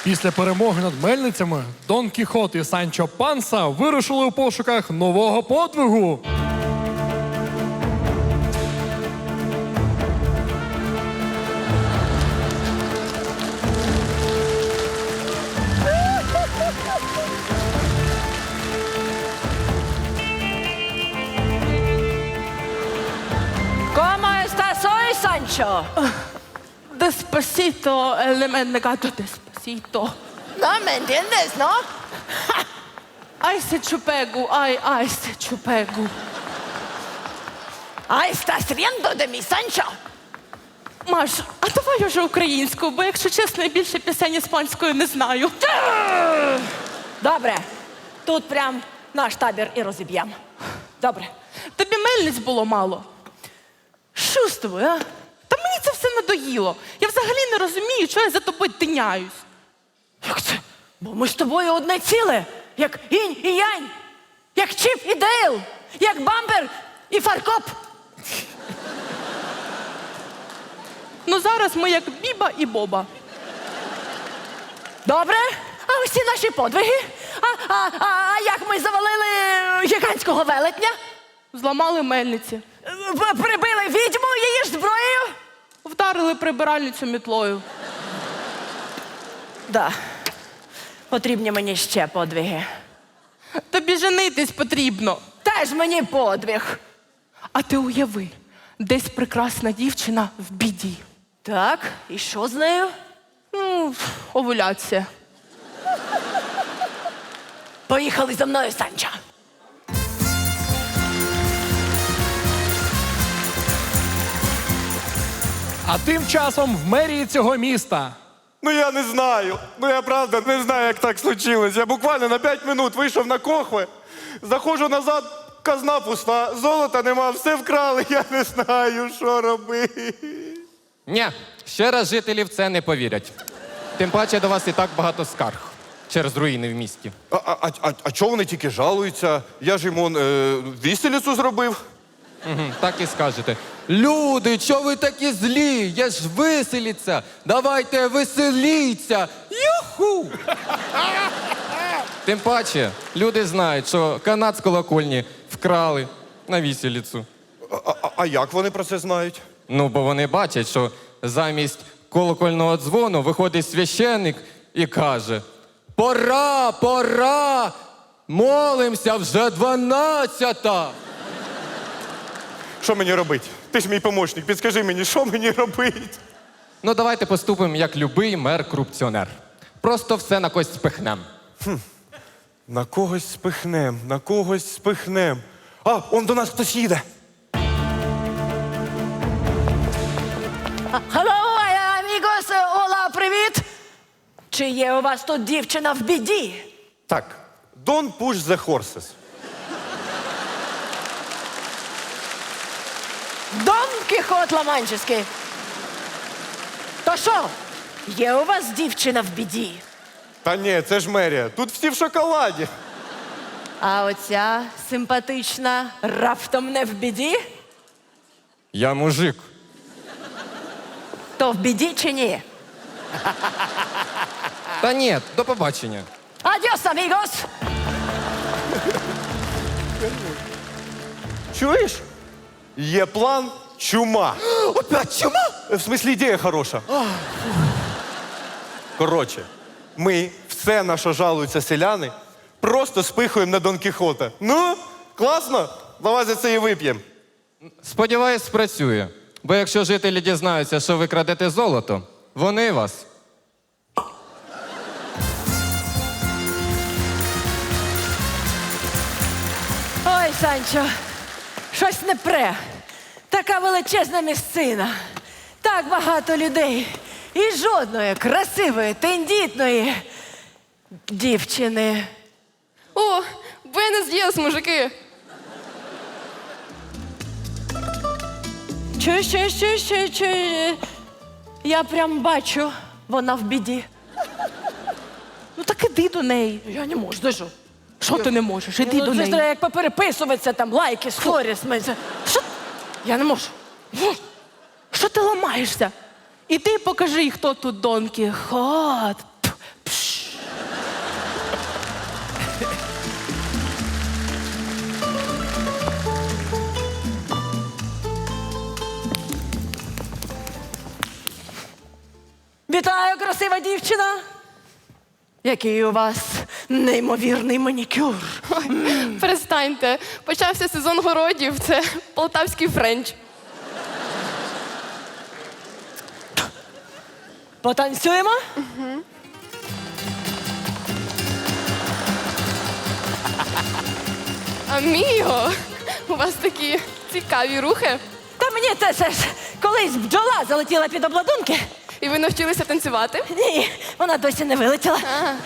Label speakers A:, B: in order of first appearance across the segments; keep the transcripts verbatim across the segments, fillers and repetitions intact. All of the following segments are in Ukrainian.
A: Після перемоги над мельницями Дон Кіхот і Санчо Панса вирушили у пошуках нового подвигу.
B: ¿Cómo estás hoy, Sancho?
C: Despacito, el mendigato despacito.
B: No me entiendes, ¿no?
C: Ay, se chupegu, ay, ay, se chupegu.
B: Ah, estás riendo de mi Sancho.
C: Маш, а давай уже українською, бо, якщо чесно, я більше пісень іспанською не знаю.
B: Добре, тут прям наш табір і розіб'ємо. Добре.
C: Тобі мельниць було мало. Що з тобою, а? Та мені це все надоїло. Я взагалі не розумію, чого я за тобою тиняюсь.
B: Як це? Бо ми з тобою одне ціле. Як інь і янь. Як Чіп і Дейл. Як Бампер і Фаркоп.
C: Ну зараз ми як Біба і Боба.
B: Добре? А усі наші подвиги? А, а, а, а як ми завалили гігантського велетня?
C: Зламали мельниці.
B: П- Прибили відьму її ж зброєю?
C: Вдарили прибиральницю мітлою.
B: Да. Потрібні мені ще подвиги.
C: Тобі женитись потрібно.
B: Теж мені подвиг.
C: А ти уяви, десь прекрасна дівчина в біді.
B: Так, і що з нею?
C: Ну, овуляція.
B: Поїхали за мною, Санчо.
A: А тим часом в мерії цього міста.
D: Ну я не знаю. Ну я правда не знаю, як так случилось. Я буквально на п'ять минут вийшов на кохви, заходжу назад, казна пуста, золота нема, все вкрали, я не знаю, що робити.
E: Ні, ще раз жителі в це не повірять. Тим паче до вас і так багато скарг через руїни в місті.
D: А, а, а, а чого вони тільки жалуються? Я ж йому е, віселицю зробив.
E: Угу, так і скажете. Люди, чого ви такі злі? Я ж веселіться. Давайте веселіться. Юху! Тим паче, люди знають, що канат з колокольні вкрали на віселіцю.
D: А, а, а як вони про це знають?
E: Ну, бо вони бачать, що замість колокольного дзвону виходить священник і каже: пора, пора, молимося, вже дванадцята.
D: Що мені робити? Ти ж мій помічник, підскажи мені, що мені робити?
E: Ну, давайте поступимо, як любий мер-корупціонер. Просто все на когось спихнем.
D: На когось спихнем, на когось спихнем. А, он до нас хтось їде.
B: Hello, amigos, Ола, привіт! Чи є у вас тут дівчина в біді?
D: Так, don't push the horses.
B: Дон Кіхот Ламанческий. То що, є у вас дівчина в біді?
D: Та ні, це ж мерія. Тут всі в шоколаді.
B: А оця симпатична раптом не в біді?
E: Я мужик.
B: То в біді чи ні?
E: Та ні, до побачення.
B: Адіос, амігос!
D: Чуєш? Є план чума.
E: Опять чума?
D: В смислі, ідея хороша. Коротше, ми все, на що жалуються селяни, просто спихуємо на Дон Кіхота. Ну, класно? Давай за це і вип'ємо.
E: Сподіваюсь, спрацює. Бо якщо жителі дізнаються, що ви крадете золото, вони вас.
B: Ой, Санчо, щось не пре. Така величезна місцина, так багато людей і жодної красивої, тендітної дівчини.
F: О, Буенос діас, мужики!
B: Чуєш, чуєш, чуєш, чуєш, чуєш? Я прям бачу, вона в біді.
C: Ну так іди до неї.
B: Я не можу, даже.
C: Що ти не можеш? Іди
B: Ну,
C: до
B: це ж
C: неї.
B: треба як попереписуватися, там, лайки, сторіс. ми це-
C: Що?
B: Я не можу.
C: Що ти ламаєшся? Іди покажи, хто тут Дон Кіхот. П- пш.
B: Вітаю, красива дівчина! Який у вас неймовірний манікюр.
F: Перестаньте. Почався сезон городів. Це полтавський френч.
B: Потанцюємо?
F: Аміго, у вас такі цікаві рухи.
B: Та мені це ще ж колись бджола залетіла під обладунки.
F: І ви навчилися танцювати?
B: Ні, вона досі не вилетіла.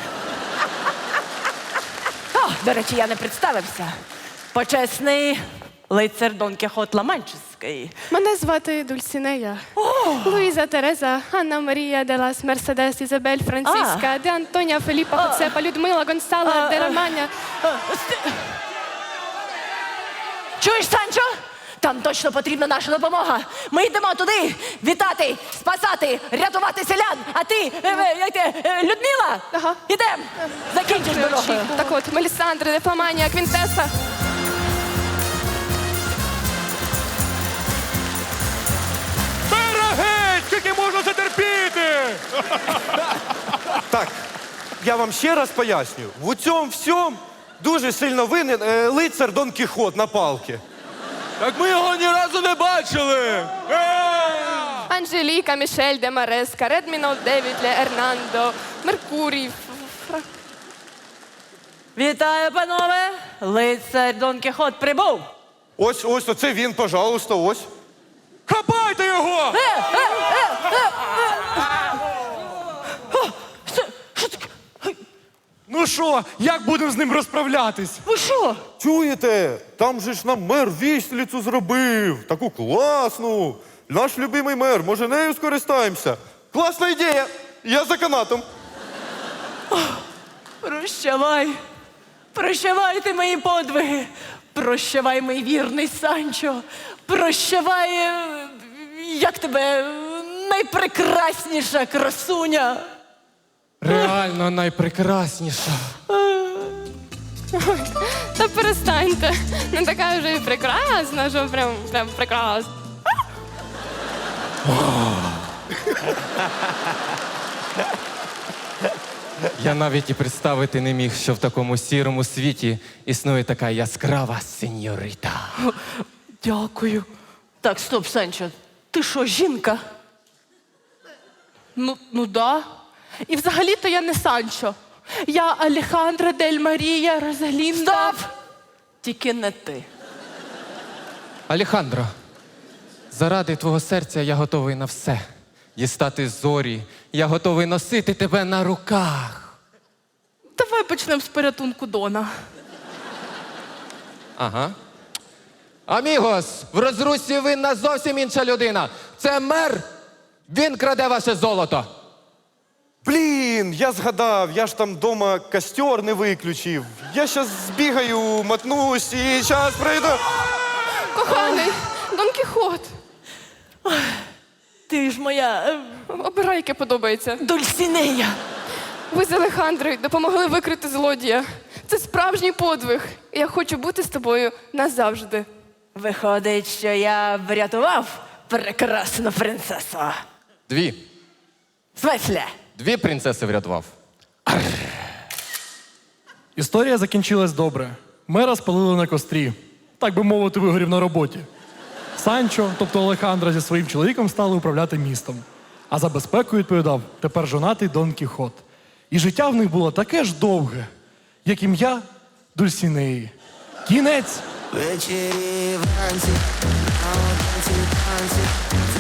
B: О, до речі, я не представився. Почесний лицар Дон Кіхот Ламанчеський.
F: Мене звати Дульсінея. Луїза Тереза, Анна Марія де лас Мерседес, Ізабель Франциска, де Антоня Феліпа Хоцепа, Людмила Гонсала, де Романя.
B: Чуєш, Санчо? Там точно потрібна наша допомога. Ми йдемо туди вітати, спасати, рятувати селян. А ти, е, е, як ти, е, Людмила?
F: Ага.
B: Ідем. Закінчиш дорогою.
F: Так от, Мелісандра, Дефаманія, Квінтеса.
A: Берегеть! Скільки можна це терпіти?
D: Так, я вам ще раз пояснюю. В цьому всьому дуже сильно винен е, лицар Дон Кіхот на палки.
E: Так ми його ні разу не бачили.
F: Анжеліка, Мішель, де Мареска, Редмінол, Девід, Ле Ернандо, Меркурій. Фра-
B: Вітаю, панове. Лицар Дон Кіхот прибув.
D: Ось, ось, оце він, пожалуйста, ось.
A: Хапайте його!
B: Що, що таке?
A: Ну що, як будемо з ним розправлятись?
B: Ви що?
D: Чуєте? Там же ж нам мер віслицю зробив. Таку класну. Наш любимий мер, може нею скористаємося? Класна ідея. Я за канатом.
B: Прощавай. Прощавайте мої подвиги. Прощавай, мій вірний Санчо. Прощавай, е, як тебе, е, найпрекрасніша красуня.
E: Реально найпрекрасніша.
F: Та перестаньте. Не така вже і прекрасна, що прям, прям прекрасна.
E: Я навіть і представити не міг, що в такому сірому світі існує така яскрава сеньорита.
B: Дякую. Так, стоп, Санчо. Ти що, жінка?
C: Ну, ну да. І взагалі-то я не Санчо. Я Алехандра Дель Марія Розалінда.
B: Стоп! Тільки не ти.
E: Алехандро, заради твого серця я готовий на все. Дістати зорі, я готовий носити тебе на руках.
C: Давай почнемо з порятунку Дона.
E: Ага. Амігос, в розрусі винна зовсім інша людина. Це мер. Він краде ваше золото.
D: Блін, я згадав, я ж там вдома костер не виключив. Я щас збігаю, мотнусь і зараз прийду.
F: Коханий, Дон Кіхот.
B: Ти ж моя е,
F: Обирай, яке подобається.
B: Дульсінея.
F: Ви з Алехандрою допомогли викрити злодія. Це справжній подвиг. І я хочу бути з тобою назавжди.
B: Виходить, що я врятував прекрасну принцесу.
E: Дві.
B: Смисле?
E: Дві принцеси врятував.
A: Історія закінчилась добре. Мера спалили на кострі. Так би мовити, вигорів на роботі. Санчо, тобто Алехандро, зі своїм чоловіком стали управляти містом. А за безпеку відповідав тепер жонатий Дон Кіхот. І життя в них було таке ж довге, як ім'я Дульсінеї. Кінець!
G: Ввечері вранці, а вранці танці,